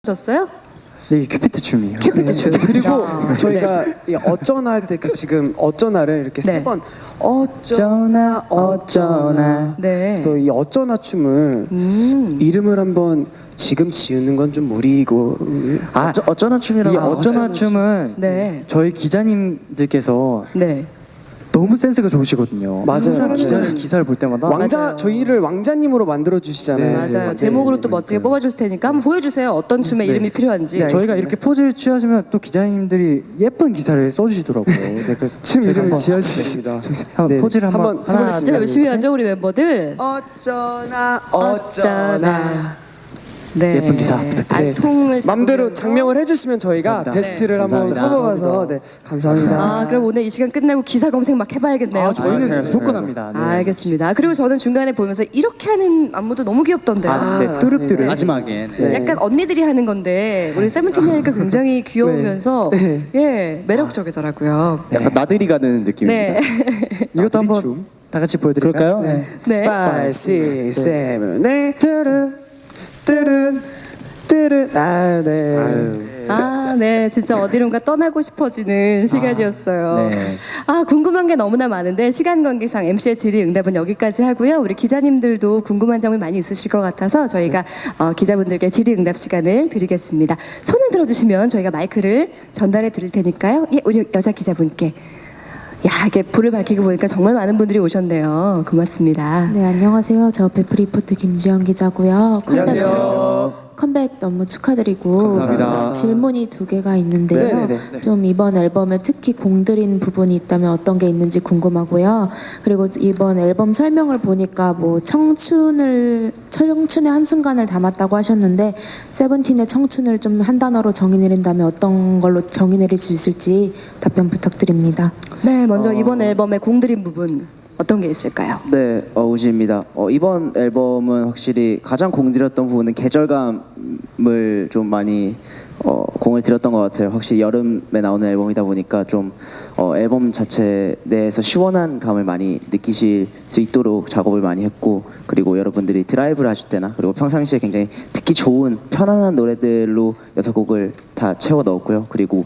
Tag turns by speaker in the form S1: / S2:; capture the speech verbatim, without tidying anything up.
S1: 졌어요?
S2: 네, 큐피트 춤이에요.
S1: 큐피트 춤.
S3: 그리고
S1: 아,
S3: 저희가 이 어쩌나 할 때 그 지금 어쩌나를 이렇게
S1: 네.
S3: 세 번 어쩌나 어쩌나
S1: 네.
S3: 그래서 이 어쩌나 춤을
S1: 음.
S3: 이름을 한번 지금 지으는 건 좀 무리이고
S2: 아, 어쩌, 어쩌나 춤이라고. 이
S3: 아,
S2: 어쩌나
S3: 어쩌나
S2: 춤은
S1: 네.
S2: 저희 기자님들께서
S1: 네.
S2: 너무 센스가 좋으시거든요.
S3: 맞아요,
S2: 항상
S3: 맞아요.
S2: 기자를 기사를 볼 때마다
S3: 왕자
S1: 맞아요.
S3: 저희를 왕자님으로 만들어 주시잖아요.
S2: 네,
S1: 맞아요.
S2: 네,
S1: 제목으로 또
S2: 네,
S1: 멋지게
S2: 네.
S1: 뽑아줄 테니까 한번 보여주세요. 어떤 춤의 이름이 필요한지.
S3: 네,
S2: 저희가
S3: 알겠습니다.
S2: 이렇게 포즈를 취하시면 또 기자님들이 예쁜 기사를 써주시더라고요. 네, 그래서
S3: 춤
S2: 제가
S3: 이름을
S2: 한번
S3: 지어주십니다.
S2: 한번
S3: 네,
S2: 포즈를 한번,
S3: 한번
S1: 하나,
S3: 해보겠습니다.
S1: 진짜 열심히 하죠 우리 멤버들.
S3: 어쩌나
S1: 어쩌나.
S3: 어쩌나
S1: 네.
S2: 예쁜 기사 부탁드려요.
S1: 아, 총을
S3: 맘대로
S1: 잡으면서.
S3: 장명을 해주시면 저희가
S2: 감사합니다.
S3: 베스트를
S2: 네.
S3: 한번
S2: 감사합니다.
S3: 뽑아봐서 네 감사합니다.
S1: 아, 그럼 오늘 이 시간 끝나고 기사 검색 막 해봐야겠네요.
S2: 아, 저희는
S3: 아,
S2: 무조건 합니다. 네.
S1: 아, 알겠습니다. 그리고 저는 중간에 보면서 이렇게 하는 안무도 너무 귀엽던데요.
S2: 아, 네,
S3: 아,
S2: 뚜릅뚜릅.
S4: 마지막에
S3: 네.
S1: 약간 언니들이 하는 건데 우리 세븐틴이니까 굉장히 귀여우면서
S3: 네.
S1: 예 매력적이더라고요.
S4: 약간 나들이 가는 느낌입니다.
S1: 네.
S2: 이것도 한번
S3: 춤.
S2: 다 같이 보여드릴까요?
S4: 그럴까요?
S2: 네.
S1: 네.
S3: five, six, seven, eight, 뚜르, 뚜르, 뚜르. 아, 네.
S1: 아, 네. 진짜 어디론가 떠나고 싶어지는 시간이었어요.
S4: 네.
S1: 아, 궁금한 게 너무나 많은데 시간 관계상 엠시의 질의응답은 여기까지 하고요. 우리 기자님들도 궁금한 점이 많이 있으실 것 같아서 저희가 어, 기자분들께 질의응답 시간을 드리겠습니다. 손을 들어주시면 저희가 마이크를 전달해 드릴 테니까요. 예, 우리 여자 기자분께. 야, 이게 불을 밝히고 보니까 정말 많은 분들이 오셨네요. 고맙습니다.
S5: 네, 안녕하세요. 저 베프 리포트 김지영 기자고요. 컴백,
S3: 안녕하세요.
S5: 컴백 너무 축하드리고
S4: 감사합니다.
S5: 질문이 두 개가 있는데요.
S3: 네네네.
S5: 좀 이번 앨범에 특히 공들인 부분이 있다면 어떤 게 있는지 궁금하고요. 그리고 이번 앨범 설명을 보니까 뭐 청춘을 청춘의 한순간을 담았다고 하셨는데 세븐틴의 청춘을 좀 한 단어로 정의 내린다면 어떤 걸로 정의 내릴 수 있을지 답변 부탁드립니다.
S1: 네, 먼저 이번 앨범의 공들인 부분 어떤 게 있을까요?
S6: 네, 어, 우지입니다. 어, 이번 앨범은 확실히 가장 공들였던 부분은 계절감을 좀 많이 어, 공을 들였던 것 같아요. 확실히 여름에 나오는 앨범이다 보니까 좀 어, 앨범 자체 내에서 시원한 감을 많이 느끼실 수 있도록 작업을 많이 했고, 그리고 여러분들이 드라이브를 하실 때나 그리고 평상시에 굉장히 듣기 좋은 편안한 노래들로 여섯 곡을 다 채워 넣었고요. 그리고